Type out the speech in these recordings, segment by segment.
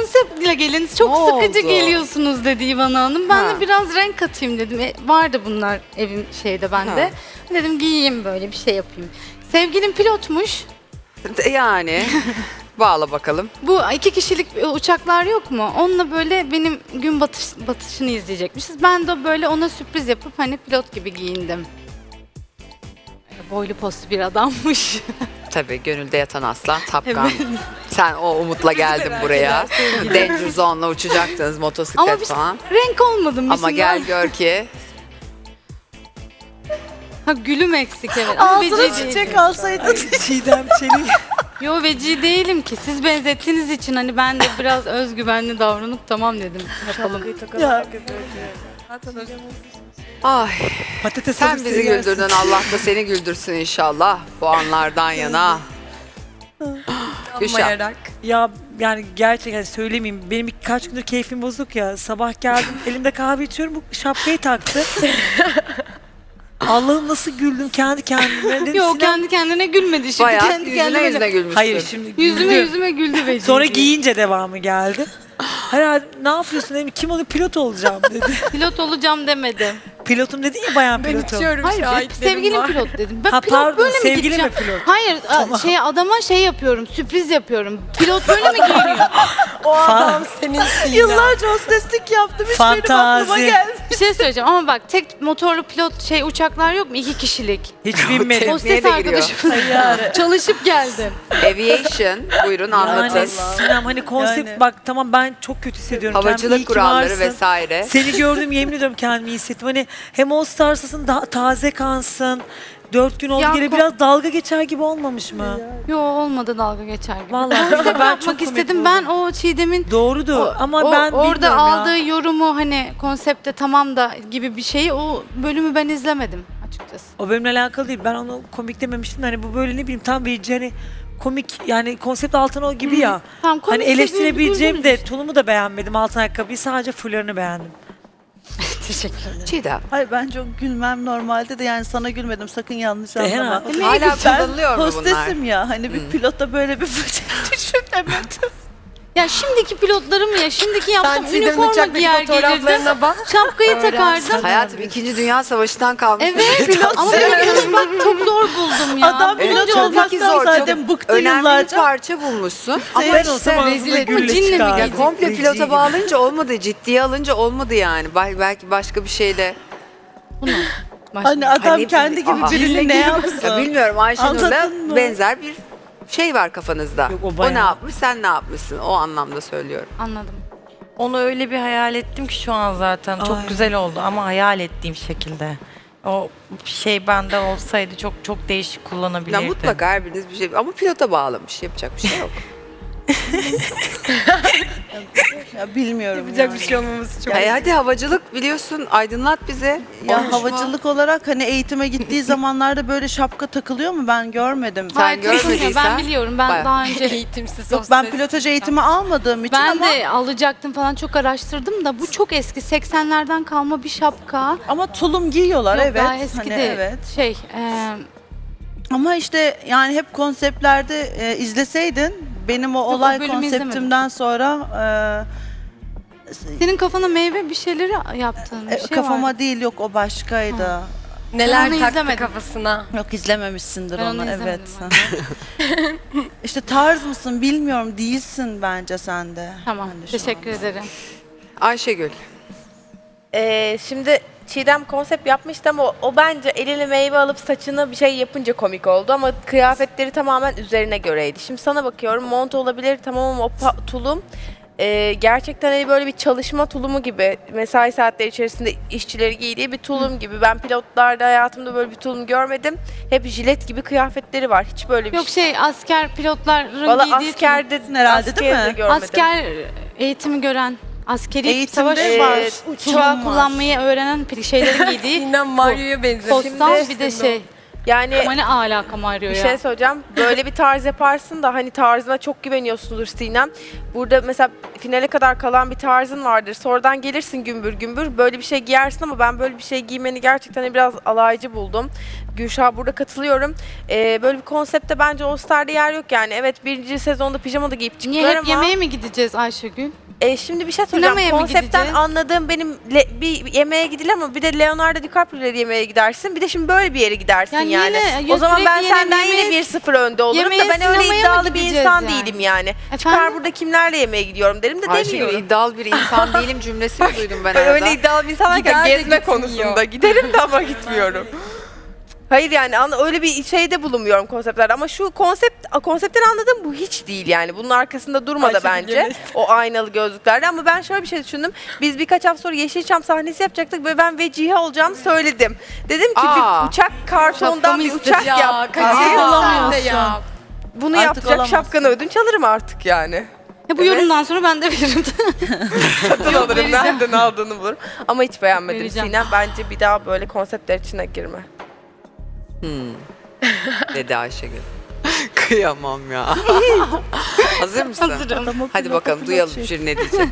konseptle gelin. Çok Ne sıkıcı oldu? geliyorsunuz dedi İvan Hanım. Ben Ha. de biraz renk katayım dedim. Vardı bunlar evim şeyde bende. Ha. Dedim giyeyim böyle bir şey yapayım. Sevgilim pilotmuş. Yani bağla bakalım. Bu 2 kişilik uçaklar yok mu? Onunla böyle benim gün batışını izleyecekmişiz. Ben de böyle ona sürpriz yapıp hani pilot gibi giyindim. Boylu postlu bir adammış. Tabii gönülde yatan aslan Tapkan. Sen o umutla geldin buraya. Danger Zone'la uçacaktınız Ama motosiklet bir falan. renk olmadım. Ama gel gör ki Ha gülüm eksik evet. Ama Ağzına veci çiçek değilim. alsaydın. Çiğdem Çelik. Yo veci değilim ki. Siz benzettiğiniz için hani ben de biraz özgüvenli davranıp tamam dedim. Yapalım. Ya. ay Patates sen alıp bizi seni yersin. güldürdün, Allah da seni güldürsün inşallah bu anlardan yana. Gülşah. Ya yani gerçekten söylemeyeyim. Benim birkaç gündür keyfim bozuk ya. Sabah geldim elimde kahve içiyorum. Bu şapkayı taktı. Allah'ım nasıl güldüm kendi kendime. Dedim, Yo Sinem- kendi kendine gülmedi şimdi. Bayağı Kendi yüzüne kendine yüzüne gülmüşsün. Hayır şimdi Yüzüme güldüm. güldü veci. Sonra giyince devamı geldi. Herhalde ne yapıyorsun dedim. Kim olur pilot olacağım dedi. Pilot olacağım demedim. Pilotum dedin ya bayan pilotum. Hayır sevgilim pilot dedim. Ben Ha, pilot pardon, böyle mi sevgili gideceğim? mi pilot? Hayır adama şey yapıyorum sürpriz yapıyorum. Pilot böyle mi giyiniyor? O adam senin yıllarca hosteslik yaptım. Hiç benim aklıma Fantazi. gelmedi. Bir şey söyleyeceğim ama bak tek motorlu pilot uçaklar yok mu? 2 kişilik. Hiç binmedim. Neye Hostes de giriyor? arkadaşım çalışıp geldim. Aviation buyurun anlatın. Yani Sinem hani konsept Yani. bak tamam ben çok kötü hissediyorum. Kendimi, iyi Havacılık ki kuralları varsın. vesaire. Seni gördüm yemin ediyorum kendimi iyi hissettim. Hani hem All Stars'ın daha taze kansın. 4 gün oldu Ya, gene biraz dalga geçer gibi olmamış mı? Yo olmadı dalga geçer gibi. Vallahi Konsept ben çok yapmak komik istedim. buldum. Ben o Çiğdem'in Doğrudu ama ben orada bilmiyorum aldığı ya. yorumu hani konsepte tamam da gibi bir şeyi o bölümü ben izlemedim açıkçası. O benimle alakalı değil. Ben onu komik dememiştim. Hani bu böyle ne bileyim tam bir hani komik yani konsept altın o gibi ya. Tamam, Hani komikse eleştirebileceğim güldünüz de işte. tulumu da beğenmedim altın ayakkabıyı sadece fullerini beğendim. Teşekkür ederim. Çiğdem. Hayır ben çok gülmem normalde de yani sana gülmedim sakın yanlış anlama. herhalde. Hala Ben kullanılıyor mu bunlar? hostesim ya hani bir pilota böyle bir fıçak düşünemedim. Ya şimdiki pilotlarım ya şimdiki yapsam Çiğdem'in üniforma uçaktaki giyer gelirdim. fotoğraflarına bak. Şapkayı takardım. Hayatım 2. Dünya Savaşı'ndan kalmış. Evet ama pilot bak çok zor buldum ya. Adam Evet, pilot tabii olmaktan ki zor. zaten Çok bıktı önemli yıllarca. bir parça bulmuşsun. Ama Ben işte olsam ağzına ettim. gülle Cinle mi çıkardım. geldi? komple Rezil pilota gibi. bağlayınca olmadı. Ciddiye alınca olmadı yani. Belki başka bir şeyle. Bunu. Başka. Hani adam Hani- kendi gibi Aha. birini ne Ya yapsın? bilmiyorum Ayşenur'la Anladın mı? benzer bir şey var kafanızda. Yok, o o bayağı. ne yapmış sen ne yapmışsın o anlamda söylüyorum. Anladım. Onu öyle bir hayal ettim ki şu an zaten çok Ay. güzel oldu ama hayal ettiğim şekilde. O şey bende olsaydı çok çok değişik Ya kullanabilirdim. mutlaka her biriniz bir şey ama pilota bağlamış yapacak bir şey yok. Ya bilmiyorum Yapacak yani. bir şey olmaması çok. Hadi havacılık biliyorsun aydınlat bize. Ya Olmuş mu? havacılık olarak hani eğitime gittiği zamanlarda böyle şapka takılıyor mu ben görmedim. Sen Hayır, takılmıyor. görmediysen Ben biliyorum. Ben bayağı. daha önce Eğitimsiz Yok ben pilotaj eğitimi almadığım için ben ama de alacaktım falan çok araştırdım da bu çok eski 80'lerden kalma bir şapka. ama tulum giyiyorlar Yok, evet. daha eski Hani değil. evet. Şey, Ama işte yani hep konseptlerde izleseydin benim o o olay bölümü konseptimden sonra senin kafana meyve bir şeyleri yaptığın bir şey kafama var. değil yok o başkaydı. Ben Neler onu taktı izlemedim. kafasına. Yok izlememişsindir Ben onu onu evet. izlemedim İşte tarz mısın bilmiyorum değilsin bence sen de. Tamam, Ben de şu teşekkür anda. ederim. Ayşegül. Şimdi Çiğdem konsept yapmıştı ama o bence eline meyve alıp saçına bir şey yapınca komik oldu ama kıyafetleri tamamen üzerine göreydi. Şimdi sana bakıyorum mont olabilir tamam ama o tulum gerçekten hani böyle bir çalışma tulumu gibi mesai saatleri içerisinde işçileri giydiği bir tulum gibi. Ben pilotlarda hayatımda böyle bir tulum görmedim. Hep jilet gibi kıyafetleri var. Hiç böyle bir Yok asker pilotların Valla giydiği askerde herhalde değil mi? askerde görmedim. asker eğitimi gören askeri Eğitimde savaş var. uçağı Tulum var. kullanmayı öğrenen şeylerin giydiği Sinem Mario'ya benziyor. postal bir de şey. Yani Ama ne alakam arıyor bir ya. şey söyleyeceğim. Böyle bir tarz yaparsın da hani tarzına çok güveniyorsundur Sinem. Burada mesela finale kadar kalan bir tarzın vardır. Sonradan gelirsin gümbür gümbür. Böyle bir şey giyersin ama ben böyle bir şey giymeni gerçekten hani biraz alaycı buldum. Gülşah, burada katılıyorum. Böyle bir konsepte bence All Star'da yer yok yani. Evet, birinci sezonda pijama da giyip Niye çıktılar hep ama... yemeğe mi gideceğiz Ayşegül? Şimdi bir şey söyleyeceğim. Sinemaya mı Konseptten gideceğiz? anladığım benim bir yemeğe gidilir ama bir de Leonardo DiCaprio'ları yemeğe gidersin. Bir de şimdi böyle bir yere gidersin Yani yani. yine O zaman ben sürekli senden yemeğe- yine 1-0 önde olurum da yemeğe, ben öyle sinemaya mı iddialı bir gideceğiz insan yani? değilim yani. Çıkar Efendim? burada kimlerle yemeğe gidiyorum derim de Ayşegül demiyorum. iddialı bir insan değilim cümlesini duydum ben Ben arada. öyle iddialı bir insan derken Gider de gezme gitmiyor. konusunda giderim de ama gitmiyorum. Hayır yani öyle bir şeyde bulunmuyorum konseptlerde ama şu konseptten anladığım bu hiç değil yani. Bunun arkasında durmadı Ayşegül bence Yenes. o aynalı gözlüklerde ama ben şöyle bir şey düşündüm. Biz birkaç hafta sonra Yeşilçam sahnesi yapacaktık ve ben vecihe olacağımı söyledim. Dedim ki Aa. bir uçak kartondan Şapkamı bir istedi uçak ya, yap. kaçırdım. Aa. Olamıyorsun. Bunu Artık yapacak olamazsın. şapkanı ödünç alırım artık yani. Bu yorumdan sonra ben de veririm. Satın alırım vereceğim. nereden aldığını bulurum. Ama hiç beğenmedim Vereceğim. Sinem. Bence bir daha böyle konseptler içine girme. Dedi Ayşegül. Kıyamam ya. Hazır mısın? Hazırım. Hadi bakalım duyalım jüri ne diyecek.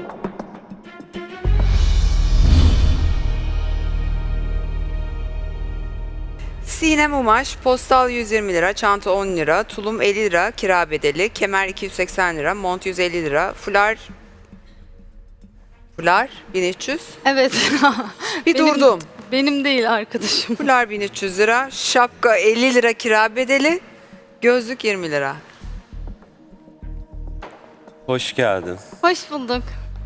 Sinem Umaş, postal 120 lira, çanta 10 lira, tulum 50 lira, kira bedeli, kemer 280 lira, mont 150 lira, fular 1300. Evet. Bir Benim- durdum. Benim değil arkadaşım. Fular 1300 lira, şapka 50 lira kira bedeli, gözlük 20 lira. Hoş geldin. Hoş bulduk.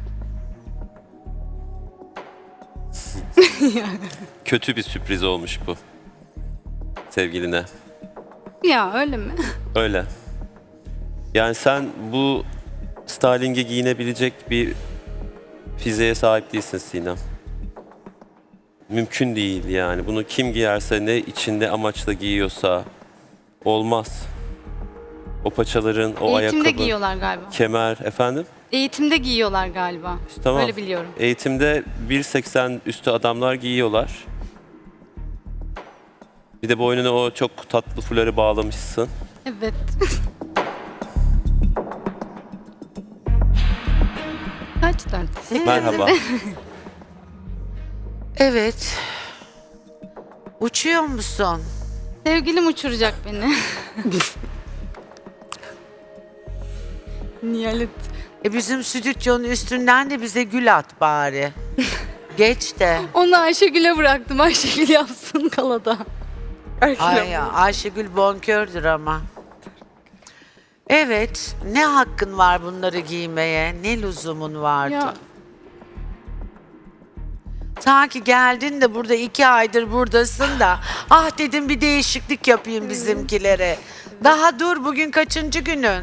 Kötü bir sürpriz olmuş bu. Sevgiline. Ya öyle mi? Öyle. Yani sen bu styling'e giyinebilecek bir fiziğe sahip değilsin Sinem. Mümkün değil yani. Bunu kim giyerse ne içinde amaçla giyiyorsa olmaz. O paçaların, o Eğitimde ayakkabı, giyiyorlar galiba. kemer efendim. Eğitimde giyiyorlar galiba. Tamam. Öyle biliyorum. Eğitimde 1.80 üstü adamlar giyiyorlar. Bir de boynuna o çok tatlı fuları bağlamışsın. Evet. Kaç dört? Merhaba. Evet. Uçuyor musun? Sevgilim uçuracak beni. Nihalet. Bizim stüdyonun üstünden de bize gül at bari. Geç de. Onu Ayşegül'e bıraktım. Ayşegül yapsın kalada. Ay ya, Ayşegül bonkördür ama. Evet. Ne hakkın var bunları giymeye? Ne lüzumun vardı? Ya Sanki geldin de burada 2 aydır buradasın da. Ah dedim bir değişiklik yapayım bizimkilere. Daha dur, bugün kaçıncı günün?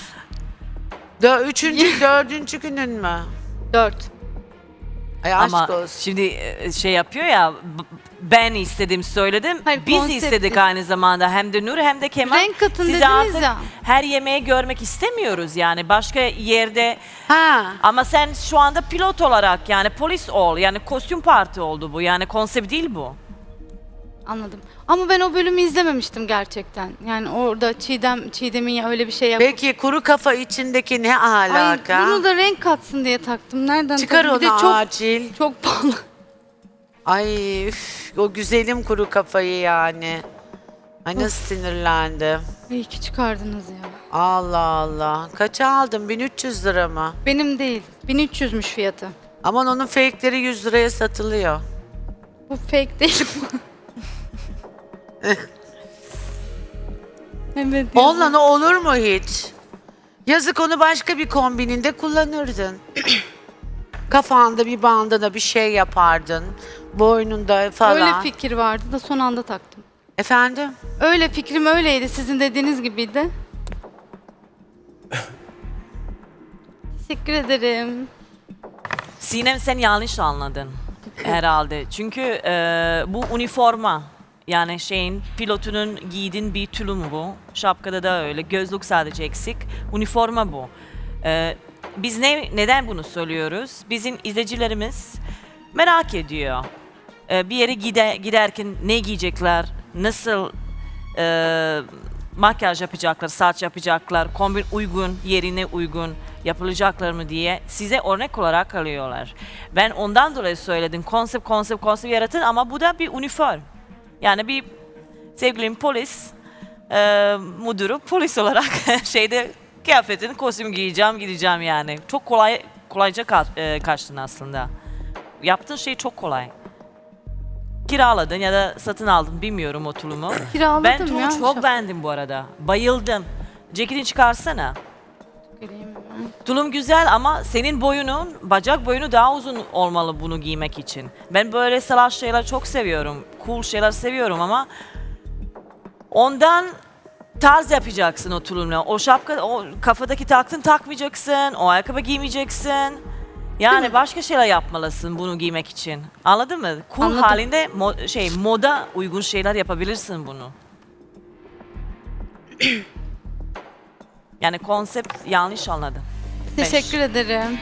Üçüncü, dördüncü günün mü? 4. Ay aşk Ama olsun. şimdi şey yapıyor ya, ben istedim söyledim. Hayır, Biz konsept istedik değil. aynı zamanda hem de Nur hem de Kemal. Renk katın Sizi dediniz artık ya. her yemeği görmek istemiyoruz yani başka yerde. Ha. Ama sen şu anda pilot olarak yani polis ol yani kostüm parti oldu bu yani konsept değil bu. Anladım. Ama ben o bölümü izlememiştim gerçekten. Yani orada Çiğdem'in ya öyle bir şey yapıp... Peki kuru kafa içindeki ne Ay, alaka? bunu da renk katsın diye taktım. Nereden Çıkar taktım? Bir onu de çok, acil. çok pahalı. Ay üf, o güzelim kuru kafayı yani. Ay nasıl sinirlendim. İyi ki çıkardınız ya. Allah Allah. Kaça aldın? 1300 lira mı? Benim değil. 1300'müş fiyatı. Aman onun fake'leri 100 liraya satılıyor. Bu fake değil. Evet. Onunla olur mu hiç? Yazık, onu başka bir kombininde kullanırdın. Kafanda bir bandana bir şey yapardın. Boynunda falan. Öyle fikir vardı da son anda taktım. Efendim? Öyle fikrim öyleydi. Sizin dediğiniz gibiydi. Teşekkür ederim. Sinem sen yanlış anladın herhalde. Çünkü bu üniforma yani şeyin pilotunun giydiğin bir tulum bu. Şapkada da öyle. Gözlük sadece eksik. Üniforma bu. Biz neden bunu söylüyoruz? Bizim izleyicilerimiz merak ediyor. Bir yere giderken ne giyecekler, nasıl makyaj yapacaklar, saç yapacaklar, kombin uygun, yerine uygun yapılacaklar mı diye size örnek olarak alıyorlar. Ben ondan dolayı söyledim konsept yaratın ama bu da bir üniform. Yani bir sevgilim polis, müdürü polis olarak şeyde kıyafetini kostüm giyeceğim gideceğim yani. Çok kolayca kaçtın aslında. Yaptığın şey çok kolay. Kiraladın ya da satın aldın bilmiyorum o tulumu. Kiraladım Ben tulumu ya. çok beğendim bu arada. Bayıldım. Ceketini çıkarsana. Tulum güzel ama senin boyunun, bacak boyunu daha uzun olmalı bunu giymek için. Ben böyle salaş şeyler çok seviyorum. Cool şeyler seviyorum ama ondan tarz yapacaksın o tulumla. O şapka, o kafadaki taktın takmayacaksın. O ayakkabı giymeyeceksin. Yani başka şeyler yapmalısın bunu giymek için. Anladın mı? Cool Anladım. halinde moda uygun şeyler yapabilirsin bunu. Yani konsept yanlış anladın. Teşekkür ederim.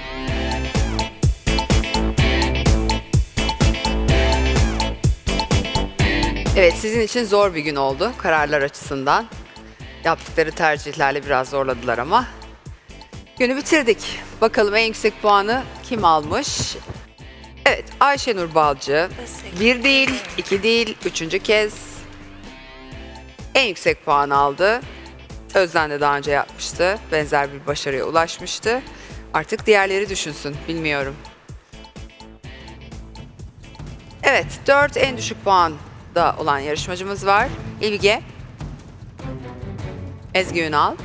Evet, sizin için zor bir gün oldu kararlar açısından. Yaptıkları tercihlerle biraz zorladılar ama. Günü bitirdik. Bakalım en yüksek puanı kim almış? Evet, Ayşenur Balcı. 1 değil, 2 değil, 3. kez en yüksek puan aldı. Özden de daha önce yapmıştı. Benzer bir başarıya ulaşmıştı. Artık diğerleri düşünsün, bilmiyorum. Evet, 4 en düşük puanda olan yarışmacımız var. İlge, Ezgi Ünal,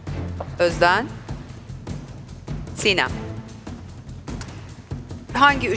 Özden, Sinem. Hangi